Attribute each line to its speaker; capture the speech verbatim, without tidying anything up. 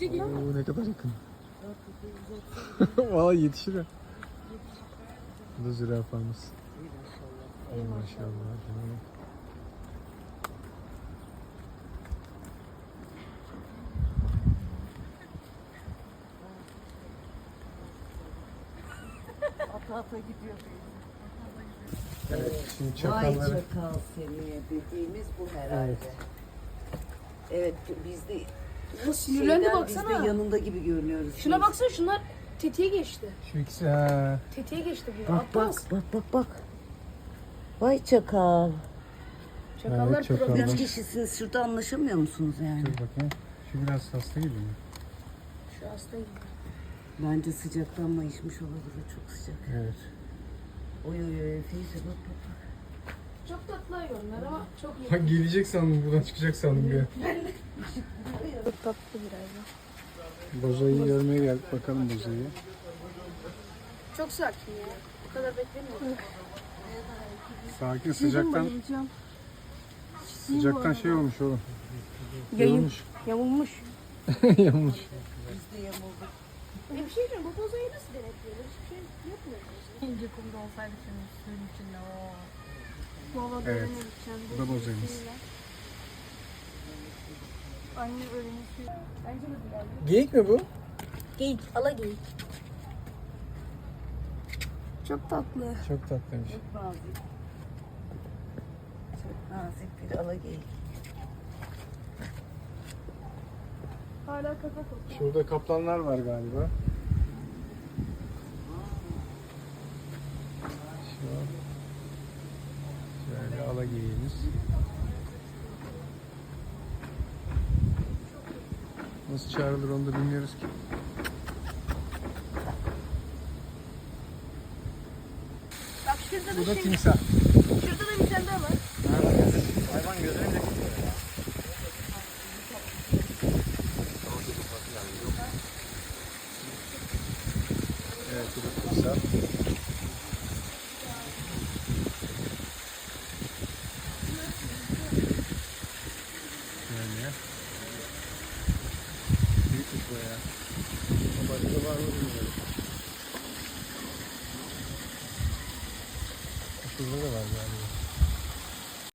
Speaker 1: Oo, ne kadar yakın. Valla yetişir ha. Bu da zürafamız. Ey maşallah.
Speaker 2: Ata ata gidiyor.
Speaker 1: Evet, şimdi
Speaker 2: Vay
Speaker 1: çakalları.
Speaker 2: çakal seni dediğimiz bu herhalde. Evet, biz de
Speaker 3: Nasıl sinirlendi
Speaker 2: şeyden biz
Speaker 3: baksana.
Speaker 2: de yanında gibi görünüyoruz.
Speaker 3: Şuna
Speaker 2: Biz-
Speaker 3: baksana, şunlar tetiğe geçti.
Speaker 1: Şu ikisi ha.
Speaker 3: Tetiğe geçti bu.
Speaker 2: Bak
Speaker 3: Atmaz.
Speaker 2: bak bak bak bak. Vay çakal.
Speaker 3: Çakallar
Speaker 1: Evet, çakallar.
Speaker 3: problem.
Speaker 2: Üç kişisiniz, şurada anlaşamıyor musunuz yani?
Speaker 1: Dur bakayım. Şu biraz hasta gibi mi?
Speaker 3: Şu hasta gibi.
Speaker 2: Bence sıcaktan mayışmış olabilir, çok sıcak.
Speaker 1: Evet.
Speaker 2: Oy oy oy Feyze bak bak bak.
Speaker 3: Çok tatlı hayvanlar ama çok iyi.
Speaker 1: Ha gelecek sandım, buradan çıkacak sandım bir.
Speaker 3: Çok tatlı biraz da.
Speaker 1: Bozayı görmeye geldik, bakalım bozayı.
Speaker 3: Çok sakin ya. Bu kadar beklemiyorum.
Speaker 1: Sakin, sıcaktan sıcaktan şey olmuş oğlum.
Speaker 3: Yayın.
Speaker 1: Yorulmuş.
Speaker 3: Yamulmuş.
Speaker 1: Yamulmuş.
Speaker 2: Biz de yamulduk.
Speaker 3: E bir şey diyeceğim, bu bozayı nasıl denetliyorlar? Hiçbir şey yapmıyor.
Speaker 4: İnce kumda olsaydı senin suyun içinde o.
Speaker 3: Valla
Speaker 1: Evet,
Speaker 3: öğrenemeyeceğim.
Speaker 1: bu da bozayımız.
Speaker 3: Anne öğrenir. Bence de güzel.
Speaker 1: Geyik mi bu?
Speaker 3: Geyik, ala geyik. Çok tatlı.
Speaker 1: Çok tatlıymış.
Speaker 2: Çok nazik. Çok nazik bir alageyik.
Speaker 3: Hala kaka kokuyor.
Speaker 1: Şurada kaplanlar var galiba. Şu an şöyle ala geyiğimiz. Nasıl çağrılır onu da bilmiyoruz ki.
Speaker 3: Bak şurada
Speaker 1: Bu
Speaker 3: da
Speaker 1: da
Speaker 3: şey,
Speaker 1: timsah.
Speaker 3: şurada da bir tane daha var.
Speaker 1: Hayvan gözüne bile Evet, bu da timsah. Şöyle. Büyükmüş bu ya. Başka var mı bilmiyorum. Şurada da var galiba.